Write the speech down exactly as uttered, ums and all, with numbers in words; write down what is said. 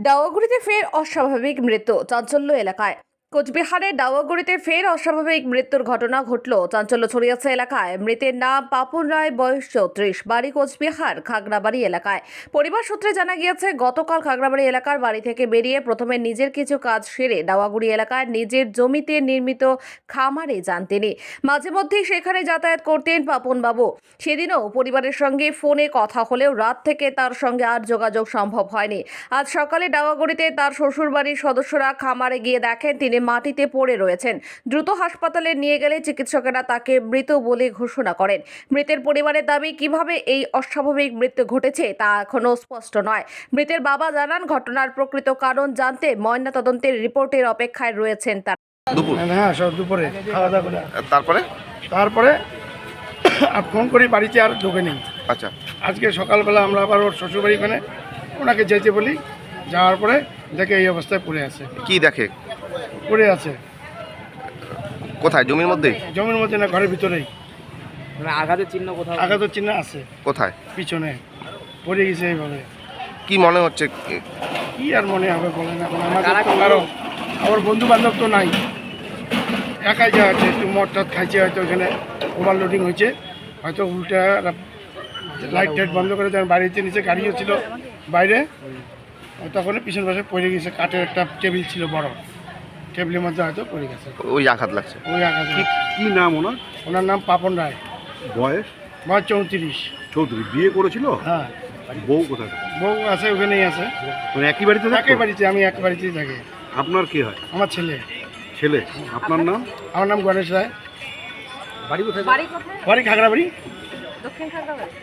ডাওয়াগুড়িতে ফের অস্বাভাবিক মৃত্যু, চাঞ্চল্য এলাকায়। কোচবিহারের ডাওয়াগুড়িতে ফের অস্বাভাবিক মৃত্যুর ঘটনা ঘটল, চাঞ্চল্য ছড়িয়েছে এলাকায়। মৃতের নাম পাপন রায়, বয়স চৌত্রিশ, বাড়ি কোচবিহার খাগড়াবাড়ি এলাকায়। পরিবার সূত্রে জানা গিয়েছে, গতকাল খাগড়াবাড়ি এলাকার বাড়ি থেকে বেরিয়ে প্রথমে নিজের কিছু কাজ সেরে ডাওয়াগুড়ি এলাকায় নিজের জমিতে নির্মিত খামারে যান তিনি। মাঝে মধ্যেই সেখানে যাতায়াত করতেন পাপন বাবু। সেদিনও পরিবারের সঙ্গে ফোনে কথা হলেও রাত থেকে তার সঙ্গে আর যোগাযোগ সম্ভব হয়নি। আজ সকালে ডাওয়াগুড়িতে তার শ্বশুরবাড়ির সদস্যরা খামারে গিয়ে দেখেন তিনি মাটিতে পড়ে রয়েছেন। দ্রুত হাসপাতালে নিয়ে গেলে চিকিৎসকেরা তাকে মৃত বলে ঘোষণা করেন। মৃতের পরিবারের দাবি, কিভাবে এই অস্বাভাবিক মৃত্যু ঘটেছে তা এখনো স্পষ্ট নয়। মৃতের বাবা জানান, ঘটনার প্রকৃত কারণ জানতে ময়নাতদন্তের রিপোর্টের অপেক্ষায় রয়েছেন তারা। দুপুর হ্যাঁ সব দুপুরে খাওয়া দাওয়া করে তারপরে তারপরে আর ফোন করি, বাড়িতে আর ঢোকে নেই। আচ্ছা, আজকে সকালবেলা আমরা আবার ওর শ্বশুরবাড়ি ওখানে ওনাকে যেতে বলি, যাওয়ার পরে দেখে এই অবস্থায় পড়ে আছে। কি দেখে? পড়ে আছে কোথায়? জমির মধ্যেই? জমির মধ্যে না, ঘরের ভিতরেই। মানে আঘাতের চিহ্ন কোথাও? আঘাতের চিহ্ন আছে কোথায়? পিছনে পড়ে গেছে এইভাবে। কি মনে হচ্ছে? কি আর মনে হবে বলেন এখন, আমাদের তো কারো আমার বন্ধু বান্ধব তো নাই, একাই যা আছে। একটু মদ টদ খাইছে হয়তো, ওখানে ওভারলোডিং হয়েছে হয়তো, উল্টা লাইট টাইট বন্ধ করে দেন। বাড়িতে নিচে গাড়িও ছিল বাইরে, তখন পিছন পাশে পড়ে গেছে। কাঠের একটা টেবিল ছিল বড়, টেবিলের মধ্যে হয়তো পড়ে গেছে। ওই আঘাত লাগছে। ওই আঘাত। কি নাম ওনার? ওনার নাম পাপন রায়, বয়স? বয়স চৌত্রিশ। চৌধুরী। বিয়ে করেছিল? হ্যাঁ। বউ কোথায়? বউ আছে, ওখানেই আছে। মানে একই বাড়িতে থাকতো? একই বাড়িতে, আমি এক বাড়িতেই থাকি। আপনার কি হয়? আমার ছেলে। ছেলে? আপনার নাম? আমার নাম গণেশ রায়। বাড়ি কোথায়? বাড়ি খাগড়াবাড়ি। দক্ষিণ খাগড়াবাড়ি।